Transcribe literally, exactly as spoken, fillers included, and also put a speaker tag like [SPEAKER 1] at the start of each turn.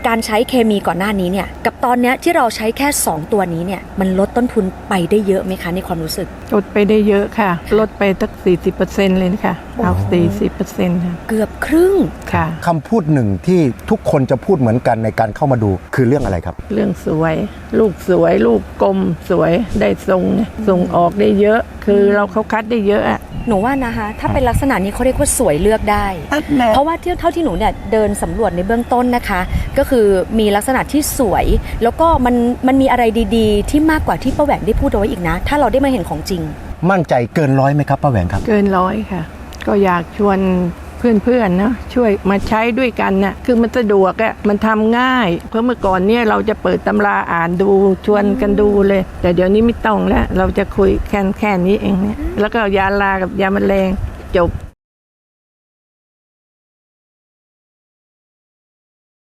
[SPEAKER 1] การใช้เคมีก่อนหน้านี้เนี่ยกับตอนเนี้ยที่เราใช้แค่สองตัวนี้เนี่ยมันลดต้นทุนไปได้เยอะไหมคะในความรู้สึก
[SPEAKER 2] ลดไปได้เยอะค่ะลดไปตั้ง สี่สิบเปอร์เซ็นต์ เลยค่ะเอา สี่สิบเปอร์เซ็นต์ ค่ะ
[SPEAKER 1] เกือบครึ่ง
[SPEAKER 2] ค่ะ
[SPEAKER 3] คำพูดหนึ่งที่ทุกคนจะพูดเหมือนกันในการเข้ามาดูคือเรื่องอะไรครับ
[SPEAKER 2] เรื่องสวยลูกสวยลูกกลมสวยได้ทรงส่งออกได้เยอะคือเราเขาคัดได้เยอะอะ
[SPEAKER 1] หนูว่านะคะถ้าเป็นลักษณะนี้เขาเรียกว่าสวยเลือกได้เพราะว่าเท่าที่หนูเนี่ยเดินสำรวจในเบื้องต้นนะคะก็คือมีลักษณะที่สวยแล้วก็มันมันมีอะไรดีๆที่มากกว่าที่ป้าแหวงได้พูดเอาไว้อีกนะถ้าเราได้มาเห็นของจริง
[SPEAKER 3] มั่นใจเกินร้อยไหมครับป้าแหวงครับ
[SPEAKER 2] เกินร้อยค่ะก็อยากชวนเพื่อนๆนะช่วยมาใช้ด้วยกันน่ะคือมันสะดวกอ่ะมันทำง่ายเพราะเมื่อก่อนเนี่ยเราจะเปิดตำราอ่านดูชวนกันดูเลยแต่เดี๋ยวนี้ไม่ต้องแล้วเราจะคุยแค่แค่นี้เองเนี่ยแล้วก็ยาลากับยาแมลงจบ